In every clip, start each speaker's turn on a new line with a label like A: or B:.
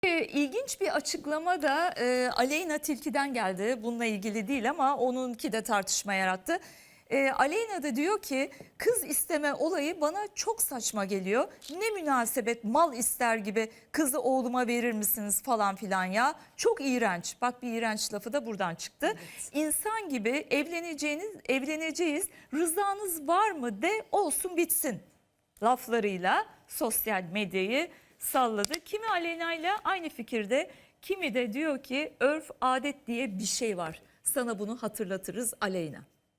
A: İlginç bir açıklama da Aleyna Tilki'den geldi. Bununla ilgili değil ama onunki de tartışma yarattı. Aleyna da diyor ki kız isteme olayı bana çok saçma geliyor. Ne münasebet mal ister gibi kızı oğluma verir misiniz falan filan ya. Çok iğrenç. Bak bir iğrenç lafı da buradan çıktı. Evet. İnsan gibi evleneceğiz. Rızanız var mı de olsun bitsin laflarıyla sosyal medyayı salladı. Kimi Aleyna ile aynı fikirde, kimi de diyor ki örf adet diye bir şey var. Sana bunu hatırlatırız Aleyna.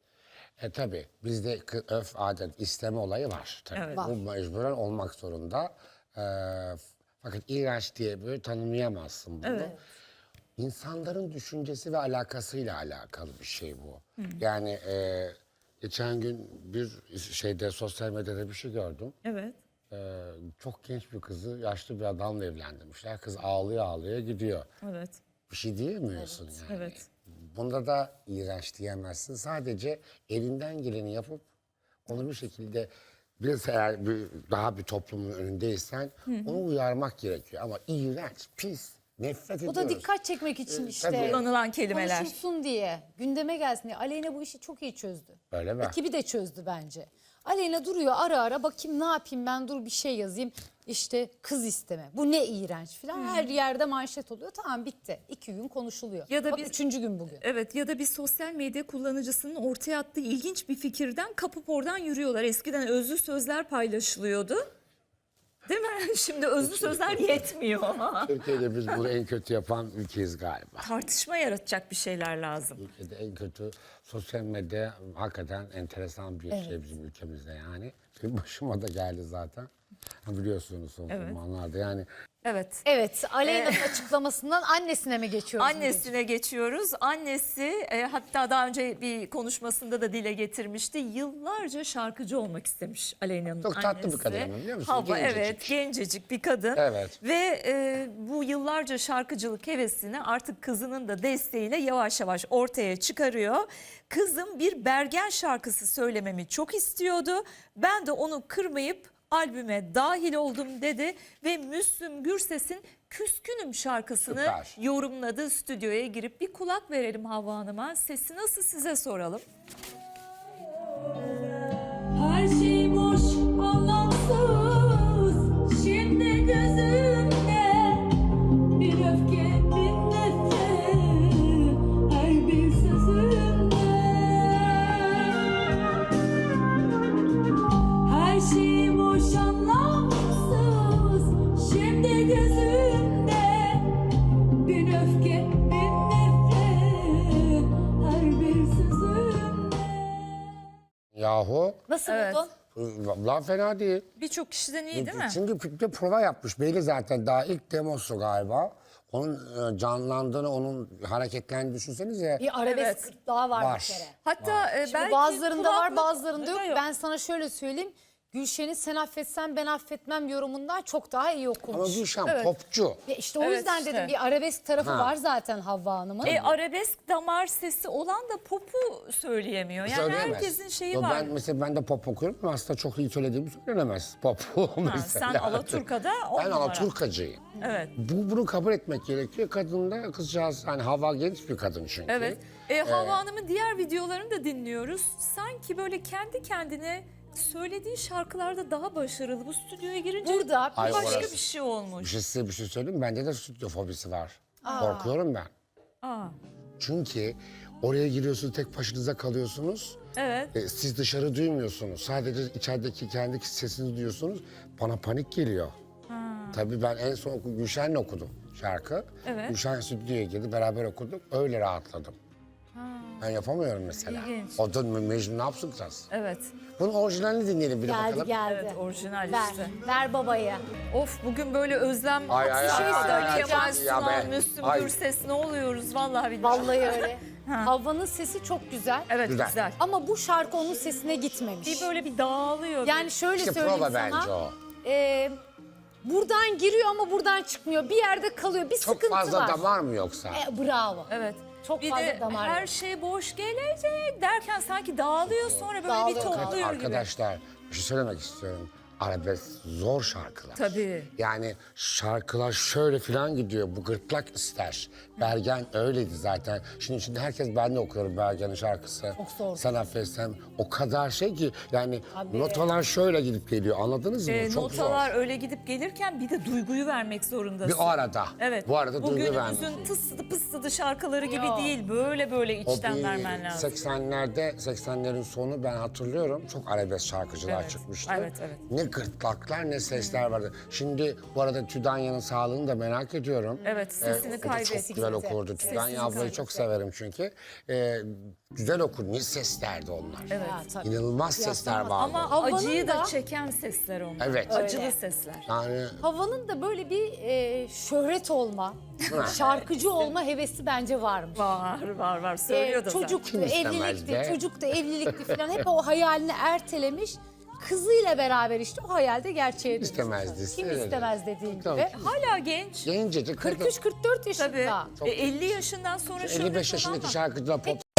B: Tabii bizde örf adet isteme olayı var. Tabii.
A: Evet.
B: Bu mecburen olmak zorunda. Fakat iğrenç diye böyle tanımlayamazsın bunu.
A: Evet.
B: İnsanların düşüncesi ve alakasıyla alakalı bir şey bu. Yani geçen gün bir şeyde sosyal medyada bir şey gördüm.
A: Evet.
B: Çok genç bir kızı yaşlı bir adamla evlendirmişler. Kız ağlaya ağlaya gidiyor.
A: Evet.
B: Bir şey diyemiyorsun yani.
A: Evet.
B: Bunda da iğrenç diyemezsin. Sadece elinden geleni yapıp onu bir şekilde biraz eğer daha bir toplumun önündeysen onu uyarmak gerekiyor. Ama iğrenç, pis, nefret ediyoruz.
C: O da dikkat çekmek için işte.
B: tabii.
A: Kullanılan kelimeler.
C: Konuşulsun diye, gündeme gelsin diye. Aleyna bu işi çok iyi çözdü.
B: Öyle mi?
C: Ekibi de çözdü bence. Aleyna duruyor ara ara, bakayım ne yapayım ben, dur bir şey yazayım. İşte kız isteme. Bu ne iğrenç falan. Her yerde manşet oluyor. Tamam, bitti. 2 gün konuşuluyor.
A: Ya da
C: Bak,
A: biz-
C: 3. gün bugün.
A: Evet, ya da bir sosyal medya kullanıcısının ortaya attığı ilginç bir fikirden kapıp oradan yürüyorlar. Eskiden özlü sözler paylaşılıyordu. Değil mi? Şimdi özlü sözler yetmiyor.
B: Türkiye'de biz bunu en kötü yapan ülkeyiz galiba.
A: Tartışma yaratacak bir şeyler lazım.
B: Ülkede en kötü sosyal medya hakikaten enteresan bir şey bizim ülkemizde yani. Benim başıma da geldi zaten. Biliyorsunuz son zamanlarda yani.
A: Evet.
C: Evet, Aleyna'nın açıklamasından annesine mi geçiyoruz?
A: Annesine geçiyoruz. Annesi hatta daha önce bir konuşmasında da dile getirmişti. Yıllarca şarkıcı olmak istemiş Aleyna'nın
B: Çok
A: annesi.
B: tatlı bir kadın ama biliyor musun?
A: Hava,
B: Gencecik.
A: evet, gencecik bir kadın.
B: Evet.
A: Ve bu yıllarca şarkıcılık hevesini artık kızının da desteğiyle yavaş yavaş ortaya çıkarıyor. Kızım bir Bergen şarkısı söylememi çok istiyordu. Ben de onu kırmayıp albüme dahil oldum dedi ve Müslüm Gürses'in Küskünüm şarkısını
B: Süper.
A: yorumladı. Stüdyoya girip bir kulak verelim Havva Hanım'a. Sesi nasıl size soralım.
D: Her şey boş, anlamsız. Şimdi gözümde bir öfke, bir nefret. Her bir sözümde. Her şey boş, anlamsız. Şimdi gözümde bir öfke, bir nefret. Her bir sözümde.
B: Yahu
C: Nasıl
A: Evet.
C: buldun?
B: laf fena değil.
A: Birçok kişiden iyi değil mi?
B: Çünkü bir prova yapmış. Belli zaten daha ilk demosu galiba. Onun canlandığını, onun hareketlerini düşünsenize.
C: Bir arabesk
A: Evet.
C: gırtlağı var
B: Var.
C: bir kere.
A: Hatta
C: Şimdi
A: belki
C: bazılarında var,
A: kulaklık-
C: bazılarında yok.
A: Yok.
C: Ben sana şöyle söyleyeyim. Gülşen'in sen affetsen ben affetmem yorumundan çok daha iyi
B: Ama
C: okumuş.
B: Gülşen popçu.
C: Ya işte o
A: Evet,
C: yüzden
A: işte.
C: dedim bir arabesk tarafı
B: Ha.
C: var zaten Havva Hanım'ın.
A: Arabesk damar sesi olan da popu söyleyemiyor. Yani
B: Söyleyemez.
A: herkesin şeyi
B: Yo,
A: var.
B: ben de pop okuyorum ama aslında çok iyi söylediğimi söylenemez. Pop mesela.
A: Sen Alaturka'da on
B: Ben
A: numara.
B: Alaturkacıyım.
A: Evet.
B: Bunu kabul etmek gerekiyor. Kadın da kızcağız, hani Hava genç bir kadın çünkü.
A: Evet. Havva Hanım'ın diğer videolarını da dinliyoruz. Sanki böyle kendi kendine söylediği şarkılarda daha başarılı. Bu stüdyoya girince
C: Burada
B: Ay,
A: başka
B: orası-
A: bir şey olmuş.
B: Size bir şey söyleyeyim mi? Bende de stüdyo fobisi var. Korkuyorum ben.
A: Aa,
B: Çünkü oraya giriyorsunuz, tek başınıza kalıyorsunuz.
A: evet.
B: Siz dışarı duymuyorsunuz. Sadece içerideki kendi sesinizi duyuyorsunuz. Bana panik geliyor. Tabii ben en son Gülşen'le okudum şarkı.
A: Evet.
B: Gülşen stüdyoya girdi, beraber okuduk. Öyle rahatladım. Ben yapamıyorum mesela.
A: İlginç.
B: O da Mecnun ne yapacağız?
A: Evet.
B: Bunun orijinalini dinleyelim bir de
C: geldi
B: bakalım.
C: geldi.
A: Evet, orijinal
C: Ver,
A: işte.
C: ver babaya.
A: Of, bugün böyle özlem.
B: Ay, ay,
A: Bir şey
B: ay, ay,
A: söyle.
B: ay,
A: Kemal
B: ya
A: Sunal,
B: be.
A: Müslüm
B: Ay.
A: Gürses, ne oluyoruz vallahi billahi.
C: Vallahi öyle. Havva'nın sesi çok güzel.
A: Evet,
B: Güzel.
A: güzel.
C: Ama bu şarkı onun sesine gitmemiş.
A: Bir böyle bir dağılıyor.
C: Yani şöyle
B: İşte
C: söyleyeyim
B: prova
C: sana.
B: bence o.
C: Buradan giriyor ama buradan çıkmıyor. Bir yerde kalıyor. Bir
B: Çok
C: sıkıntı
B: fazla
C: var.
B: damar mı yoksa?
C: Bravo.
A: Evet.
C: Çok
A: bir
C: fazla
A: de
C: damar
A: her
C: yok.
A: şey boş gelecek derken sanki dağılıyor sonra böyle bir
C: Dağılıyor.
A: topluyor gibi.
B: Arkadaşlar bir şey söylemek istiyorum. arabesk zor şarkılar.
A: Tabii.
B: Yani şarkılar şöyle falan gidiyor. Bu gırtlak ister. Bergen öyleydi zaten. Şimdi herkes, ben de okuyorum Bergen'in şarkısı.
C: Çok zor.
B: Sen affetsen o kadar şey ki yani
C: Tabii.
B: notalar şöyle gidip geliyor. Anladınız mı? Çok
A: Notalar
B: zor.
A: öyle gidip gelirken bir de duyguyu vermek zorundasın.
B: Bir o arada.
A: Evet.
B: Bu arada
A: Bu
B: duygu vermek.
A: günümüzün tıssıdı pıstıdı şarkıları gibi
C: Yok.
A: değil. Böyle
B: O
A: içten
B: bir
A: vermen lazım.
B: 80'lerin sonu ben hatırlıyorum. Çok arabesk şarkıcılar
A: Evet,
B: çıkmıştı.
A: evet.
B: Ne gırtlaklar ne sesler vardı. Şimdi bu arada Tüdanya'nın sağlığını da merak ediyorum.
A: Evet, sesini
B: o da
A: kaybetti.
B: çok güzel okurdu. Tüdanya ablayı çok severim çünkü. Güzel okur. Ne seslerdi onlar.
A: Evet.
C: Ha, tabii.
B: İnanılmaz sesler vardı.
A: Ama
C: Havanın
A: acıyı da
C: da-
A: çeken sesler onlar.
B: Evet.
A: Acılı
C: Öyle.
A: sesler.
B: Yani
C: Havanın da böyle bir şöhret olma, şarkıcı olma hevesi bence varmış.
A: Var. Söylüyordu zaten.
C: Çocuktu,
B: Kim istemez
C: evlilikti,
B: be?
C: çocuktu, evlilikti falan. Hep o hayalini ertelemiş. Kızıyla beraber işte o hayalde gerçeğe dönüşmüş.
B: İstemezdi,
C: Kim
B: istemezdi.
C: istemez dediğin
B: Tabii.
C: gibi.
A: Hala genç.
B: gencecik.
C: 43-44
A: Tabii.
C: yaşında.
A: 50 yaşından sonra şöhret
B: 55
A: olan
B: yaşındaki
A: var.
B: şarkıcılar pop